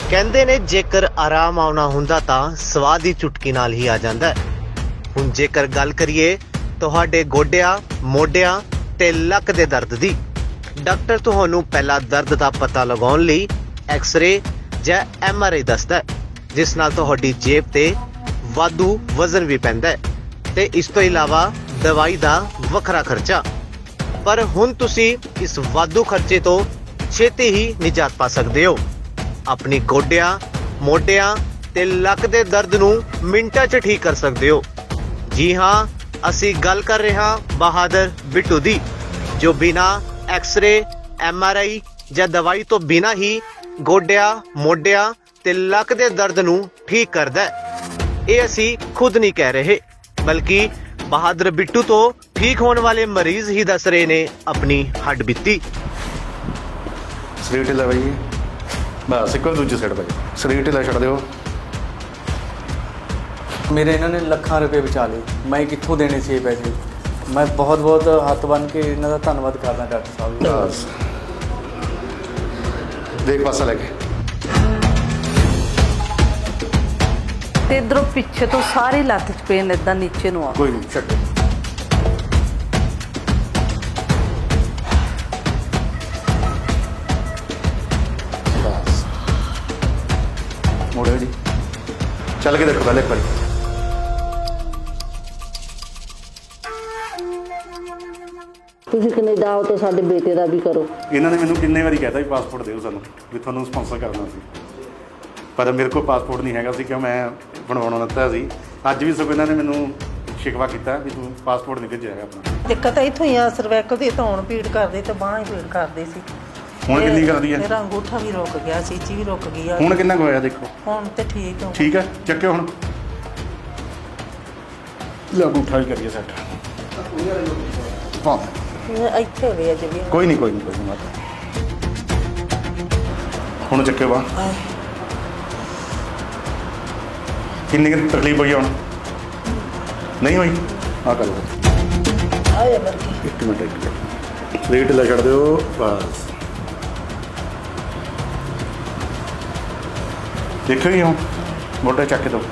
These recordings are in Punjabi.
ਕਹਿੰਦੇ ਨੇ ਜੇਕਰ ਆਰਾਮ ਆਉਣਾ ਹੁੰਦਾ ਤਾਂ ਸਵਾਦ ਦੀ ਚੁਟਕੀ ਨਾਲ ਹੀ ਆ ਜਾਂਦਾ ਹੈ। ਹੁਣ ਜੇਕਰ ਗੱਲ ਕਰੀਏ ਤੁਹਾਡੇ ਗੋਡਿਆਂ, ਮੋਢਿਆਂ ਤੇ ਲੱਕ ਦੇ ਦਰਦ ਦੀ, ਡਾਕਟਰ ਤੁਹਾਨੂੰ ਪਹਿਲਾਂ ਦਰਦ ਦਾ ਪਤਾ ਲਗਾਉਣ ਲਈ ਐਕਸ-ਰੇ ਜਾਂ MRI ਦੱਸਦਾ ਹੈ, ਜਿਸ ਨਾਲ ਤੁਹਾਡੀ ਜੇਬ ਤੇ ਵਾਧੂ ਵਜ਼ਨ ਵੀ ਪੈਂਦਾ ਹੈ ਤੇ ਇਸ ਤੋਂ ਇਲਾਵਾ ਦਵਾਈ ਦਾ ਵੱਖਰਾ ਖਰਚਾ। ਪਰ ਹੁਣ ਤੁਸੀਂ ਇਸ ਵਾਧੂ ਖਰਚੇ ਤੋਂ ਛੇਤੀ ਹੀ ਨਿਜਾਤ ਪਾ ਸਕਦੇ ਹੋ। ਆਪਣੀ ਗੋਡਿਆਂ, ਮੋਢਿਆਂ ਤੇ ਲੱਕ ਦੇ ਦਰਦ ਨੂੰ ਮਿੰਟਾਂ 'ਚ ਠੀਕ ਕਰ ਸਕਦੇ ਹੋ। ਜੀ ਹਾਂ, ਅਸੀਂ ਗੱਲ ਕਰ ਰਹੇ ਹਾਂ ਬਹਾਦਰ ਬਿੱਟੂ ਦੀ, ਜੋ ਬਿਨਾਂ ਐਕਸ-ਰੇ, MRI ਜਾਂ ਦਵਾਈ ਤੋਂ ਬਿਨਾਂ ਹੀ ਗੋਡਿਆਂ, ਮੋਢਿਆਂ ਤੇ ਲੱਕ ਦੇ ਦਰਦ ਨੂੰ ਠੀਕ ਕਰਦਾ ਹੈ। ਇਹ ਅਸੀਂ ਖੁਦ ਨਹੀਂ ਕਹਿ ਰਹੇ, ਬਲਕਿ ਬਹਾਦਰ ਬਿੱਟੂ ਤੋਂ ਠੀਕ ਹੋਣ ਵਾਲੇ ਮਰੀਜ਼ ਹੀ ਦੱਸ ਰਹੇ ਨੇ ਆਪਣੀ ਹੱਡ ਬੀਤੀ। ਸਰੀਰ ਢਿੱਲਾ ਬਾਈ, ਬਸ ਇੱਕੋ ਦੂਜੀ ਸਾਈਡ ਬਾਈ, ਸਰੀਰ ਢਿੱਲਾ ਛੱਡ ਦਿਓ। ਮੇਰੇ ਇਹਨਾਂ ਨੇ ਲੱਖਾਂ ਰੁਪਏ ਬਚਾ ਲਏ, ਮੈਂ ਕਿੱਥੋਂ ਦੇਣੇ ਸੀ ਇਹ ਪੈਸੇ। ਮੈਂ ਬਹੁਤ ਬਹੁਤ ਹੱਥ ਬੰਨ੍ਹ ਕੇ ਇਹਨਾਂ ਦਾ ਧੰਨਵਾਦ ਕਰਦਾ ਡਾਕਟਰ ਸਾਹਿਬ ਜੀ। ਬਸ ਦੇਖ ਪਾਸਾ ਲੈ ਕੇ ਤੇ ਇਧਰੋਂ ਪਿੱਛੇ ਤੋਂ ਸਾਰੀ ਲੱਤ 'ਚ ਪੇਨ ਇਦਾਂ ਨੀਚੇ ਨੂੰ ਆ। ਕੋਈ ਨਹੀਂ ਛੱਡੋ। ਬਸ ਮੋੜੋ ਜੀ, ਚੱਲ ਕੇ ਦੇਖੋ ਪਹਿਲੇ ਇੱਕ ਵਾਰੀ। ਤੁਸੀਂ ਕੈਨੇਡਾ ਆਓ ਤਾਂ ਸਾਡੇ ਬੇਟੇ ਦਾ ਵੀ ਕਰੋ। ਇਹਨਾਂ ਨੇ ਮੈਨੂੰ ਕਿੰਨੇ ਵਾਰੀ ਕਹਿਤਾ ਵੀ ਪਾਸਪੋਰਟ ਦਿਓ ਸਾਨੂੰ, ਵੀ ਤੁਹਾਨੂੰ ਸਪਾਂਸਰ ਕਰਨਾ ਸੀ, ਪਰ ਮੇਰੇ ਕੋਲ ਪਾਸਪੋਰਟ ਨਹੀਂ ਹੈਗਾ ਸੀ ਕਿ ਮੈਂ ਬਣਵਾਉਣਾ ਦਿੱਤਾ ਸੀ। ਅੱਜ ਵੀ ਸਗੋਂ ਇਹਨਾਂ ਨੇ ਮੈਨੂੰ ਸ਼ਿਕਵਾ ਕੀਤਾ ਵੀ ਤੂੰ ਪਾਸਪੋਰਟ ਨਹੀਂ ਭੇਜਿਆ ਹੈਗਾ ਆਪਣਾ। ਦਿੱਕਤ ਇੱਥੋਂ ਹੀ ਆ, ਸਰਵੈਕਲ ਦੀ ਧੌਣ ਪੀੜ ਕਰਦੀ ਤੇ ਬਾਂਹ ਹੀ ਪੀੜ ਕਰਦੀ ਸੀ। ਹੁਣ ਕਿੰਨੀ ਕਰਦੀ ਹੈ? ਮੇਰਾ ਅੰਗੂਠਾ ਵੀ ਰੁਕ ਗਿਆ, ਚੀਚੀ ਵੀ ਰੁਕ ਗਈ ਆ। ਹੁਣ ਕਿੰਨਾ ਕੁ ਹੋਇਆ ਦੇਖੋ? ਹੁਣ ਤੇ ਠੀਕ ਹੋ। ਠੀਕ ਹੈ, ਚੱਕਿਓ ਹੁਣ। ਲੈ ਅੰਗੂਠਾ ਵੀ ਕਰੀਏ ਸੈੱਟ। ਹਾਂ ਇੱਥੇ ਵੇ ਅਜੇ ਵੀ। ਕੋਈ ਨਹੀਂ ਮਾਤਾ, ਹੁਣ ਚੱਕਿਓ ਬਾਂਹ। ਕਿੰਨੀ ਕੁ ਤਕਲੀਫ ਹੋਈ ਹੁਣ? ਨਹੀਂ ਹੋਈ? ਆ ਕਰ ਲਓ। ਆਏ ਵਰਗੀ ਇੱਕ ਮਿੰਟ ਸਰੀਰ ਢਿੱਲਾ ਛੱਡ ਦਿਓ। ਬਸ ਦੇਖੋ ਜੀ, ਹੁਣ ਮੋਢੇ ਚੱਕ ਦਿਓ।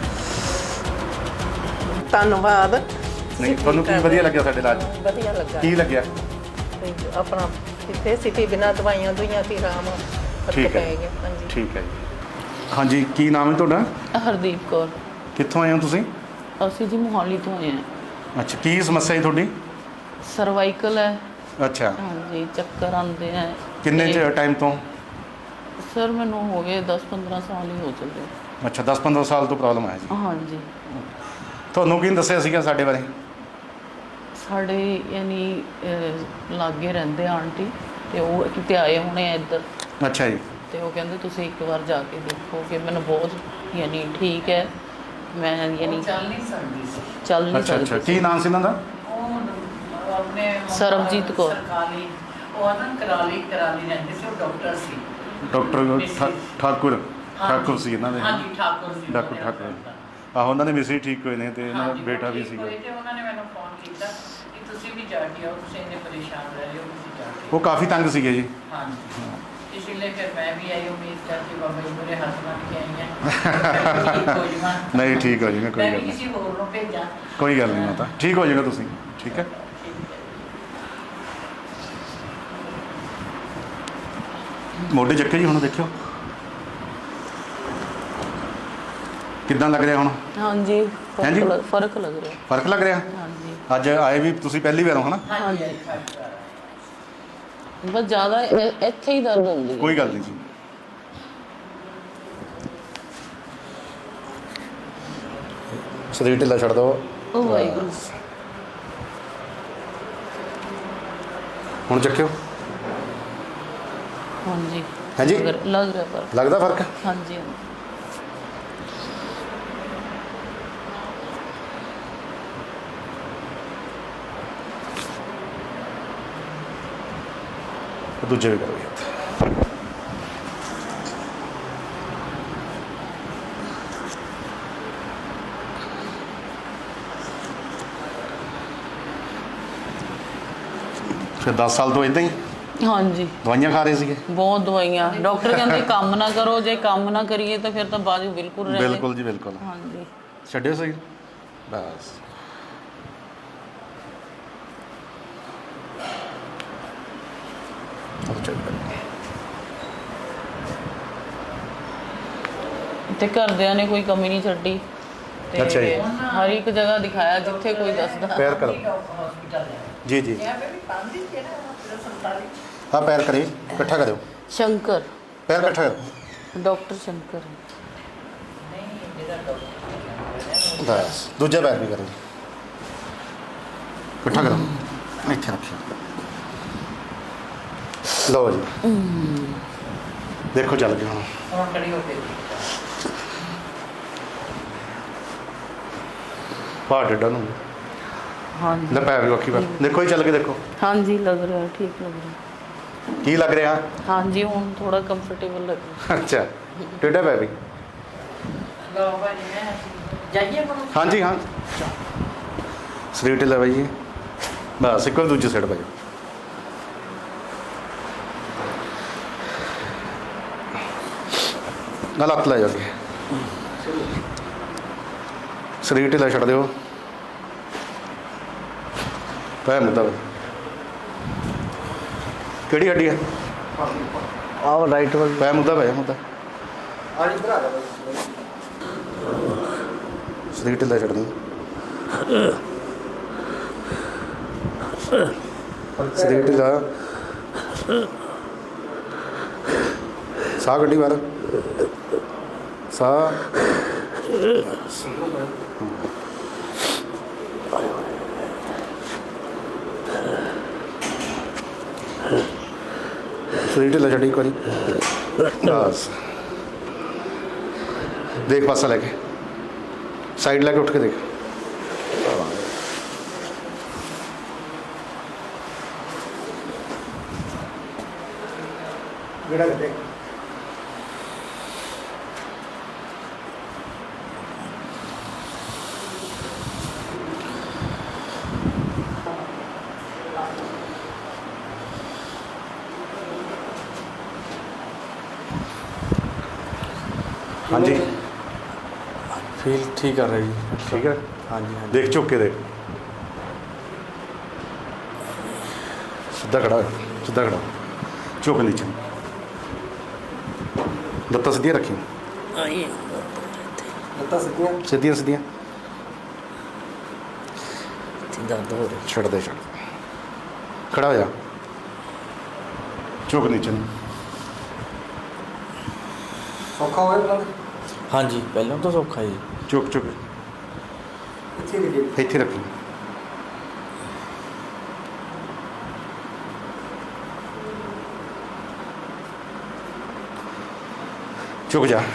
ਧੰਨਵਾਦ। ਨਹੀਂ ਤੁਹਾਨੂੰ ਕੀ ਵਧੀਆ ਲੱਗਿਆ ਸਾਡੇ ਇਲਾਜ? ਵਧੀਆ ਲੱਗਾ। ਕੀ ਲੱਗਿਆ? ਤੇ ਆਪਣਾ ਇੱਥੇ ਸਿੱਧੀ ਬਿਨਾਂ ਦਵਾਈਆਂ ਦੁਈਆਂ ਤੇ ਆਰਾਮ ਫਰਕ ਠੀਕ ਹੈ ਪੈ ਗਿਆ। ਹਾਂਜੀ ਠੀਕ ਹੈ ਜੀ। ਹਾਂਜੀ, ਕੀ ਨਾਮ ਹੈ ਤੁਹਾਡਾ? ਹਰਦੀਪ ਕੌਰ। ਕਿੱਥੋਂ ਆਏ ਹੋ ਤੁਸੀਂ? ਅਸੀਂ ਜੀ ਮੋਹਾਲੀ ਤੋਂ ਆਏ ਹਾਂ। ਅੱਛਾ, ਕੀ ਸਮੱਸਿਆ ਹੈ ਤੁਹਾਡੀ? ਸਰਵਾਈਕਲ ਹੈ। ਅੱਛਾ, ਹਾਂਜੀ, ਚੱਕਰ ਆਉਂਦੇ ਹੈ। ਕਿੰਨੇ ਟਾਈਮ ਤੋਂ? ਸਰ ਮੈਨੂੰ ਹੋ ਗਏ 10-15 ਸਾਲ ਹੀ ਹੋ ਚੱਲੇ। ਅੱਛਾ, 10-15 ਸਾਲ ਤੋਂ ਪ੍ਰੋਬਲਮ ਹੈ ਜੀ। ਹਾਂਜੀ, ਤੁਹਾਨੂੰ ਕੀ ਦੱਸਿਆ ਸੀਗਾ ਸਾਡੇ ਬਾਰੇ? ਸਾਡੇ ਯਾਨੀ ਲਾਗੇ ਰਹਿੰਦੇ ਆਂਟੀ, ਤੇ ਉਹ ਕਿਤੇ ਆਏ ਹੋਣੇ ਆ ਇੱਧਰ, ਅੱਛਾ ਜੀ। ਤੇ ਉਹ ਕਹਿੰਦੇ ਤੁਸੀਂ ਇੱਕ ਵਾਰ ਜਾ ਕੇ ਦੇਖੋ ਕਿ ਮੈਨੂੰ ਬਹੁਤ ਯਾਨੀ ਠੀਕ ਹੈ। ਮੈਂ ਯਾਨੀ ਚੱਲ ਨਹੀਂ ਸਕਦੀ ਅੱਛਾ ਅੱਛਾ, ਕੀ ਨਾਮ ਸੀ ਇਹਨਾਂ ਦਾ? ਸਰਬਜੀਤ ਕੌਰ। ਕਰਾਲੀ ਰਹਿੰਦੇ ਸੀ, ਉਹ ਡਾਕਟਰ ਸੀ। ਡਾਕਟਰ ਠਾਕੁਰ ਸੀ ਇਹਨਾਂ ਦੇ? ਹਾਂਜੀ, ਠਾਕੁਰ ਸੀ। ਡਾਕਟਰ ਠਾਕੁਰ। ਆਹੋ, ਉਹਨਾਂ ਦੇ ਮਿਸਰੀ ਠੀਕ ਹੋਏ ਨੇ ਤੇ ਇਹਨਾਂ ਦਾ ਬੇਟਾ ਵੀ ਸੀਗਾ। ਤੇ ਉਹਨਾਂ ਨੇ ਮੈਨੂੰ ਫੋਨ ਕੀਤਾ ਕਿ ਤੁਸੀਂ ਵੀ ਜਾ ਕੇ ਆਓ, ਤੁਸੀਂ ਇੰਨੇ ਪਰੇਸ਼ਾਨ ਰਹਿ ਰਹੇ ਹੋ, ਤੁਸੀਂ ਜਾ ਕੇ ਉਹ ਕਾਫੀ ਤੰਗ ਸੀਗੇ ਜੀ। ਹਾਂਜੀ, ਇਸ ਲਈ ਫਿਰ ਮੈਂ ਵੀ ਆਈ, ਉਮੀਦ ਕਰਕੇ ਬਾਬਾ ਜੀ ਮੇਰੇ ਹੱਥ ਬੰਨ੍ਹ ਕੇ ਆਈ ਹਾਂ। ਠੀਕ ਹੋ ਜਾਵਾਂ। ਨਹੀਂ, ਠੀਕ ਹੋ ਜਾਏਗਾ, ਕੋਈ ਮੈਂ ਗੱਲ ਵੀ ਨਹੀਂ। ਕਿਸੇ ਹੋਰ ਨੂੰ ਭੇਜਾਂ। ਕੋਈ ਗੱਲ ਨਹੀਂ ਮਾਤਾ, ਠੀਕ ਹੋ ਜਾਏਗਾ ਤੁਸੀਂ। ਠੀਕ ਹੈ। ਮੋਢੇ ਚੱਕੇ ਜੀ, ਹੁਣ ਦੇਖਿਓ ਕਿੱਦਾਂ ਲੱਗ ਰਿਹਾ ਹੁਣ? ਹਾਂਜੀ, ਹਾਂਜੀ? ਫਰਕ ਲੱਗ ਰਿਹਾ। ਫਰਕ ਲੱਗ ਰਿਹਾ? ਹਾਂਜੀ ਅੱਜ ਆਏ ਵੀ ਤੁਸੀਂ ਪਹਿਲੀ ਵਾਰ ਹੋ ਹਨਾ? ਹਾਂਜੀ, ਬਸ ਜ਼ਿਆਦਾ ਇੱਥੇ ਹੀ ਦਰਦ ਹੁੰਦੀ ਹੈ। ਕੋਈ ਗੱਲ ਨਹੀਂ ਜੀ। ਸਰੀਰ ਢਿੱਲਾ ਛੱਡ ਦਿਓ। ਉਹ ਵਾਹਿਗੁਰੂ। ਹੁਣ ਚੱਕਿਓ। ਹਾਂਜੀ ਹਾਂਜੀ? ਲੱਗ ਰਿਹਾ ਫਰਕ। ਲੱਗਦਾ ਫਰਕ? ਹਾਂਜੀ ਦੂਜੇ ਵੀ ਕਰੋ ਜੀ। ਫਿਰ 10 ਸਾਲ ਤੋਂ ਇਦਾਂ ਹੀ? ਹਾਂਜੀ ਦਵਾਈਆਂ ਖਾ ਰਹੇ ਸੀਗੇ? ਬਹੁਤ ਦਵਾਈਆਂ। ਡਾਕਟਰ ਕਹਿੰਦੇ ਕੰਮ ਨਾ ਕਰੋ, ਜੇ ਕੰਮ ਨਾ ਕਰੀਏ ਤਾਂ ਫਿਰ ਤਾਂ ਬਾਜੂ ਬਿਲਕੁਲ ਰਹਿ ਬਿਲਕੁਲ ਜੀ ਬਿਲਕੁਲ। ਹਾਂਜੀ ਛੱਡਿਓ ਸਹੀ ਬਸ। ਤੇ ਘਰਦਿਆਂ ਨੇ ਕੋਈ ਕਮੀ ਨਹੀਂ ਛੱਡੀ ਤੇ ਅੱਛਾ ਜੀ। ਹਰ ਇੱਕ ਜਗ੍ਹਾ ਦਿਖਾਇਆ ਜਿੱਥੇ ਕੋਈ ਦੱਸਦਾ। ਪੈਰ ਕਰੋ हॉस्पिटल है ਜੀ ਜੀ। यहाँ पे भी काम दी थी ना हॉस्पिटल सरकारी। ਹਾਂ ਪੈਰ ਕਰੇ ਇਕੱਠਾ ਕਰਿਓ, ਸ਼ੰਕਰ ਪੈਰ ਇਕੱਠਾ ਕਰੋ ਡਾਕਟਰ ਸ਼ੰਕਰ नहीं मेरा डॉक्टर ਬਸ। ਦੂਜਾ ਪੈਰ ਵੀ ਕਰੋ, ਇਕੱਠਾ ਕਰੋ, ਇੱਥੇ ਰੱਖਿਓ। ਲਓ ਜੀ ਦੇਖੋ ਚੱਲ ਗਿਆ ਹੁਣ। और खड़ी होके ਭਾਰ ਡੱਡਾ ਨੂੰ ਹਾਂਜੀ ਲੈ ਪੈਰ ਵੀ ਅੱਖੀ ਪਰ ਦੇਖੋ ਹੀ ਚੱਲ ਕੇ ਦੇਖੋ ਹਾਂਜੀ ਲੱਗ ਰਿਹਾ, ਠੀਕ ਲੱਗ ਰਿਹਾ। ਕੀ ਲੱਗ ਰਿਹਾ। ਹਾਂਜੀ ਹੁਣ ਥੋੜਾ ਕੰਫਰਟੇਬਲ ਲੱਗ ਰਿਹਾ। ਅੱਛਾ ਟੇਢਾ ਪੈਰ ਵੀ। लो भाई मैं जाइए कौन ਹਾਂਜੀ ਹਾਂ ਸਰੀਰ ਢਿੱਲਾ ਬਾਈ ਜੀ ਬਸ। ਇੱਕ ਵਾਰ ਦੂਜੀ ਸਾਈਡ ਬਾਈ। ਨਾਲ ਹੱਥ ਲੈ ਜਾ ਕੇ ਸਰੀਰ ਢਿੱਲਾ ਛੱਡ ਦਿਓ। ਪੈ ਮੁੱਦਾ ਕਿਹੜੀ ਹੱਡੀ ਹੈ? ਆਹ ਰਾਈਟ ਵੱਲ। ਪੈ ਮੁੱਦਾ ਪੈ ਮੁੱਦਾ ਸਰੀਰ ਢਿੱਲਾ ਛੱਡ ਦਿਓ। ਸਰੀਰ ਢਿੱਲਾ। ਸਾਹ ਕੱਢੀ ਬਾਹਰ। ਸਾਹ ਸਰੀਰ ਢਿੱਲਾ ਛੱਡੀ ਇੱਕ ਵਾਰੀ ਬਸ। ਦੇਖ ਪਾਸਾ ਲੈ ਕੇ ਸਾਈਡ ਲੈ ਕੇ ਉੱਠ ਕੇ ਦੇਖ। ਜਿਹੜਾ ਕੱਢੇ ਹਾਂਜੀ ਫੀਲ ਠੀਕ ਕਰ ਰਹੀ ਜੀ। ਠੀਕ ਹੈ। ਹਾਂਜੀ ਹਾਂਜੀ ਦੇਖ ਝੁੱਕ ਕੇ ਦੇਖ। ਸਿੱਧਾ ਖੜਾ ਹੋ, ਸਿੱਧਾ ਖੜਾ ਹੋ। ਝੁੱਕ ਨੀਚੇ, ਲੱਤਾਂ ਸਿੱਧੀਆਂ ਰੱਖੀ। ਲੱਤਾਂ ਸਿੱਧੀਆਂ। ਸਿੱਧੀਆਂ ਸਿੱਧੀਆਂ ਦਰਦ ਹੋ ਰਿਹਾ। ਛੱਡ ਦੇ ਛੱਡ। ਖੜਾ ਹੋ ਜਾ, ਝੁੱਕ ਨੀਚੇ ਨੂੰ। ਸੌਖਾ ਹੋਇਆ ਪਹਿਲਾਂ? ਹਾਂਜੀ ਪਹਿਲਾਂ ਤਾਂ ਸੌਖਾ ਜੀ। ਝੁੱਕ ਝੁੱਕ ਇੱਥੇ ਰੱਖੀ। ਝੁਕ ਜਾ।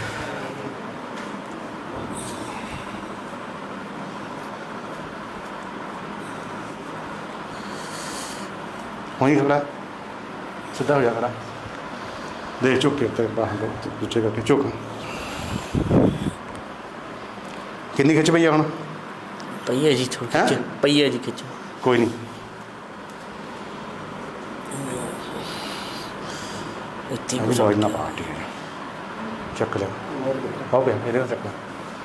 वहीं खड़ा, सीधा हो जा खड़ा। देख चुक के बाहर दूचे करके चुक। कितनी खिच पई है हुण? पई है जी थोड़ी हैं? खिच पई है जी खिच। कोई नहीं इतनी अभी लॉज ना पार्टी है। चक ले हो गया मेरे चक ले।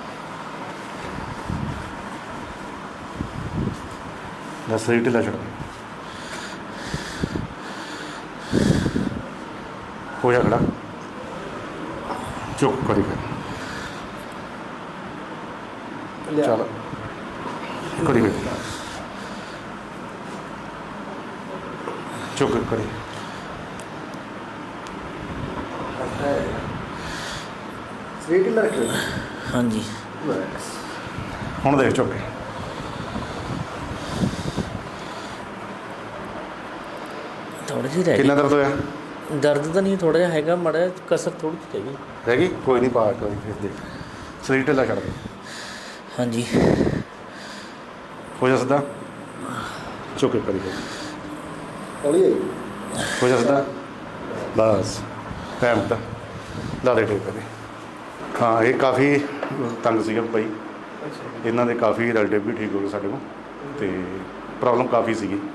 दस रीट ला छड़ हो जा खड़ा। चुप करी फिर चल करी फिर चुप करी। हाँ जी ਹੁਣ ਦੇਖ ਚੁੱਕ थोड़ी जी रह ਕਿੰਨਾ ਦਰਦ ਹੋਇਆ? गई दर्द तो नहीं थोड़ा जिहा हैगा माड़ा जिहा कसर थोड़ी जी रह गई। ਰਹਿ ਗਈ ਕੋਈ ਨਹੀਂ ਪਾ ਕੋਈ ਫਿਰ ਦੇਖ ਸਰੀਰ ਢਿੱਲਾ ਛੱਡ ਦੇ। हाँ जी ਹੋ ਜਾ ਸਿੱਧਾ ਚੁੱਕ ਕਰੀ ਹੋ ਜਾ ਸਿੱਧਾ ਬਸ ਟਾਈਮ ਦਾ ਲਾ ਦੇ ਟੇਕ ਕਰੇ। ਹਾਂ ਇਹ ਕਾਫੀ ਤੰਗ ਸੀਗਾ ਭਾਈ। ਇਹਨਾਂ ਦੇ ਕਾਫੀ ਰਿਲੇਟਿਵ ਵੀ ਠੀਕ ਹੋ ਗਏ ਸਾਡੇ ਕੋਲ ਤੇ ਪ੍ਰੋਬਲਮ ਕਾਫੀ ਸੀਗੀ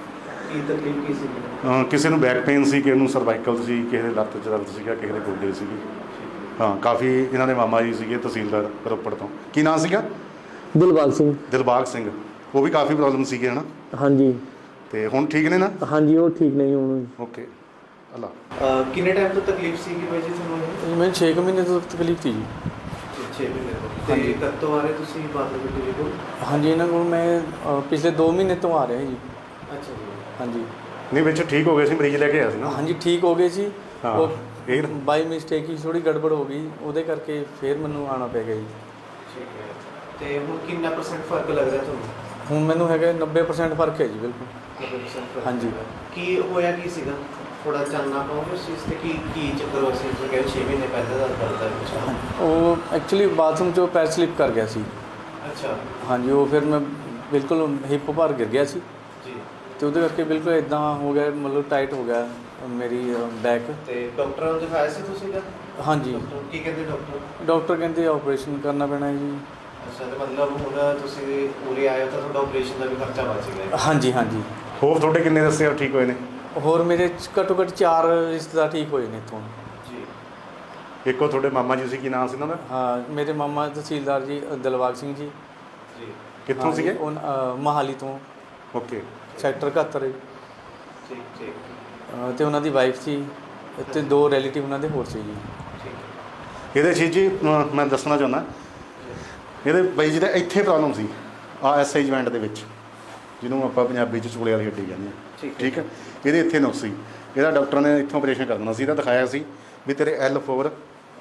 ਕੀ ਤਕਲੀਫ ਕੀ ਸੀ? ਕਿਸੇ ਨੂੰ ਬੈਕ ਪੇਨ ਸੀ, ਕਿਸੇ ਨੂੰ ਸਰਵਾਈਕਲ ਸੀ, ਕਿਸੇ ਦੇ ਲੱਤ 'ਚ ਦਰਦ ਸੀਗਾ, ਕਿਸੇ ਦੇ ਗੋਡੇ ਸੀਗੇ। ਹਾਂ, ਕਾਫੀ ਇਹਨਾਂ ਦੇ ਮਾਮਾ ਜੀ ਸੀਗੇ ਤਹਿਸੀਲਦਾਰ ਰੋਪੜ ਤੋਂ। ਕੀ ਨਾਂ ਸੀਗਾ? ਦਿਲਬਾਗ ਸਿੰਘ। ਦਿਲਬਾਗ ਸਿੰਘ। ਉਹ ਵੀ ਕਾਫੀ ਪ੍ਰੋਬਲਮ ਸੀਗੇ ਹਨਾ? ਹਾਂਜੀ। ਤੇ ਹੁਣ ਠੀਕ ਨੇ ਨਾ? ਹਾਂਜੀ, ਉਹ ਠੀਕ ਨਹੀਂ ਹੁਣ। ਓਕੇ। ਅੱਲਾ। ਕਿੰਨੇ ਟਾਈਮ ਤੋਂ ਤਕਲੀਫ ਸੀਗੀ ਬਾਈ ਜੀ ਤੁਹਾਨੂੰ ਇਹ? ਮੈਨੂੰ 6 ਮਹੀਨੇ ਤੋਂ ਤਕਲੀਫ ਸੀ ਜੀ। 6 ਮਹੀਨੇ ਤੋਂ। ਤੇ ਕਦ ਤੋਂ ਆ ਰਹੇ ਤੁਸੀਂ ਬਾਦਲ ਬੇਟੀ ਜੀ ਕੋਲ? ਹਾਂਜੀ, ਇਹਨਾਂ ਕੋਲ ਮੈਂ ਪਿਛਲੇ 2 ਮਹੀਨੇ ਤੋਂ ਆ ਰਿਹਾ ਜੀ। ਅੱਛਾ ਜੀ। ਹਾਂਜੀ। ਨਹੀਂ, ਵਿੱਚ ਠੀਕ ਹੋ ਗਏ ਸੀ, ਮਰੀਜ਼ ਲੈ ਕੇ ਆਇਆ ਸੀ ਨਾ? ਹਾਂਜੀ, ਠੀਕ ਹੋ ਗਏ ਸੀ। ਹਾਂ, ਉਹ ਫਿਰ ਬਾਈ ਮਿਸਟੇਕ ਹੀ ਥੋੜੀ ਗੜਬੜ ਹੋ ਗਈ, ਉਹਦੇ ਕਰਕੇ ਫਿਰ ਮੈਨੂੰ ਆਉਣਾ ਪੈ ਗਿਆ ਜੀ। ਠੀਕ ਹੈ। ਤੇ ਹੁਣ ਕਿੰਨਾ % ਫਰਕ ਲੱਗ ਰਿਹਾ ਤੁਹਾਨੂੰ? ਹੁਣ ਮੈਨੂੰ ਹੈਗਾ 90% ਫਰਕ ਹੈ ਜੀ, ਬਿਲਕੁਲ। 90% ਫਰਕ? ਹਾਂਜੀ। ਕੀ ਹੋਇਆ ਕੀ ਸੀਗਾ? ਥੋੜਾ ਚਾਨਣਾ ਪਾਓਗੇ ਉਸ ਚੀਜ਼ ਤੇ? ਕੀ ਚੱਕਰ ਹੋਇਆ ਸੀ? ਤੁਸੀਂ ਕਹਿੰਦੇ 6 ਮਹੀਨੇ ਪਹਿਲਾਂ ਦਾ ਦਰਦ ਹੈ ਕੁਛ? ਉਹ ਐਕਚੁਅਲੀ ਬਾਥਰੂਮ 'ਚੋਂ ਪੈਰ ਸਲਿਪ ਕਰ ਗਿਆ ਸੀ। ਅੱਛਾ ਹਾਂਜੀ, ਉਹ ਫਿਰ ਮੈਂ ਬਿਲਕੁਲ ਹਿੱਪ ਭਾਰ ਗਿਰ ਗਿਆ ਸੀ ਜੀ। ਤੇ ਉਹਦੇ ਕਰਕੇ ਬਿਲਕੁਲ ਇਦਾਂ ਹੋ ਗਿਆ, ਮਤਲਬ ਟਾਈਟ ਹੋ ਗਿਆ ਮੇਰੀ ਬੈਕ। ਤੇ ਡਾਕਟਰਾਂ ਨੂੰ ਦਿਖਾਇਆ ਸੀ ਤੁਸੀਂ ਦਾ? ਹਾਂਜੀ। ਕੀ ਕਹਿੰਦੇ ਡਾਕਟਰ? ਡਾਕਟਰ ਕਹਿੰਦੇ ਆਪਰੇਸ਼ਨ ਕਰਨਾ ਪੈਣਾ ਹੈ ਜੀ। ਅੱਛਾ, ਤੇ ਮਤਲਬ ਹੁਣ ਤੁਸੀਂ ਉਰੇ ਆਏ ਹੋ ਤਾਂ ਤੁਹਾਡਾ ਆਪਰੇਸ਼ਨ ਦਾ ਵੀ ਖਰਚਾ ਬਚ ਗਿਆ? ਹਾਂਜੀ ਹਾਂਜੀ। ਹੋਰ ਤੁਹਾਡੇ ਕਿੰਨੇ ਦੱਸੇ ਠੀਕ ਹੋਏ ਨੇ? ਹੋਰ ਮੇਰੇ ਘੱਟੋ ਘੱਟ 4 ਰਿਸ਼ਤੇਦਾਰ ਠੀਕ ਹੋਏ ਨੇ ਇੱਥੋਂ ਜੀ। ਇੱਕੋ ਤੁਹਾਡੇ ਮਾਮਾ ਜੀ ਸੀ, ਕੀ ਨਾਮ ਸੀ ਉਹਨਾਂ ਦਾ? ਹਾਂ, ਮੇਰੇ ਮਾਮਾ ਤਹਿਸੀਲਦਾਰ ਜੀ ਦਿਲਬਾਗ ਸਿੰਘ ਜੀ। ਜੀ। ਕਿੱਥੋਂ ਸੀਗੇ? ਉਹ ਮੋਹਾਲੀ ਤੋਂ, ਓਕੇ। ਸੈਕਟਰ 71। ਠੀਕ ਠੀਕ ਤੇ ਉਹਨਾਂ ਦੀ ਵਾਈਫ ਸੀ ਤੇ 2 ਰਿਲੇਟਿਵ ਉਹਨਾਂ ਦੇ ਹੋਰ ਸੀ ਜੀ। ਠੀਕ। ਇਹਦੇ 'ਚ ਜੀ ਮੈਂ ਦੱਸਣਾ ਚਾਹੁੰਦਾ, ਇਹਦੇ ਬਾਈ ਜੀ ਦਾ ਇੱਥੇ ਪ੍ਰੋਬਲਮ ਸੀ, ਐਸਆਈ ਜੁਆਇੰਟ ਦੇ ਵਿੱਚ, ਜਿਹਨੂੰ ਆਪਾਂ ਪੰਜਾਬੀ 'ਚ ਚੂਲੇ ਵਾਲੀ ਹੱਡੀ ਕਹਿੰਦੇ ਹਾਂ। ਠੀਕ ਹੈ। ਇਹਦੇ ਇੱਥੇ ਨੁਕਸ ਸੀ, ਇਹਦਾ ਡਾਕਟਰ ਨੇ ਇੱਥੋਂ ਆਪਰੇਸ਼ਨ ਕਰ ਦੇਣਾ ਸੀ। ਇਹਦਾ ਦਿਖਾਇਆ ਸੀ ਵੀ ਤੇਰੇ L4